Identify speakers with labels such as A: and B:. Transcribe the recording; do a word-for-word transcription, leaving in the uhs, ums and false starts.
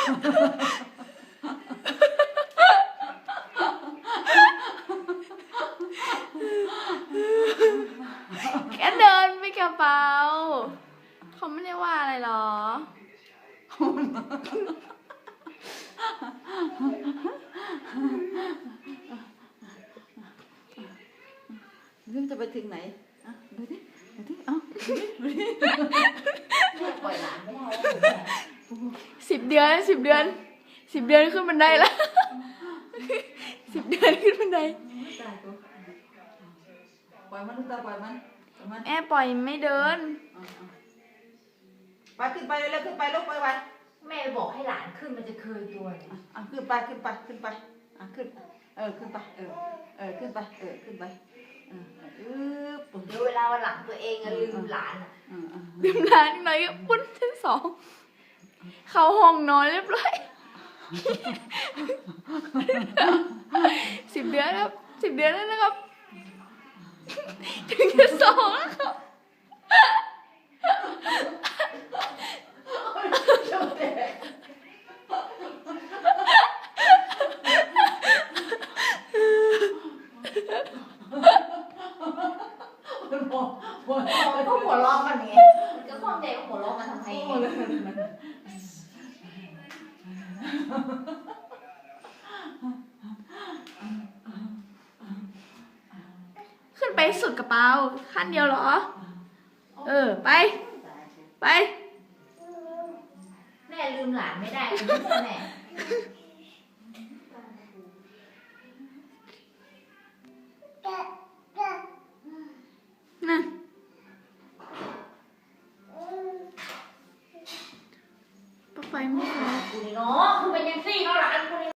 A: แค่เดินไปกระเป๋าเขาไม่ได้ว่าอะไรหรอ
B: เรื่องจะไปถึงไหนอ่ะดูดิดูดิเอ้าดูดิดูดิปล่อยหลานไม่ได้
A: สิบเดือนสิบเดือนสิบเดือนขึ้นบันไดแล้วสิบเดือนขึ้นบันได
B: ปล่อยมันลูกตาปล่อยมันมัน
A: แม่ปล่อยไม่เดิน
B: ไปขึ้นไปเร็วๆขึ้นไปลูกไปไป
C: แม่บอกให้หลานขึ้นมันจะเคยตัวเลย
B: อ่ะขึ้นไปขึ้นไปขึ้นไปอ่ะขึ้นเออขึ้นไปเออเออขึ้นไปเออขึ้นไปเออเออปุ๊บ
C: เดี๋ยวเวลาวันหลังตัวเองอะลืมหลานอะ
A: ลืมร้านหน่อยปุ้นชั้นสองเขาห้องนอนเรียบร้อยสิบเดือนครับสิบเดือนแล้วนะครับถึงชั้นสองแล้วครับ
C: ก็หัวเราะกันไงก็ความใจก็หัวเราะกันทำไม
A: ขึ้นไปสุดกระเป๋าขั้นเดียวเหรอเออไปไป
C: แม่ลืมหลานไม่ได้ลืมแม่
A: นั่นป้าไฟไม่พอ
C: กูนี่เนาะคือเป็นยังซี่เนาะหลานกูนี่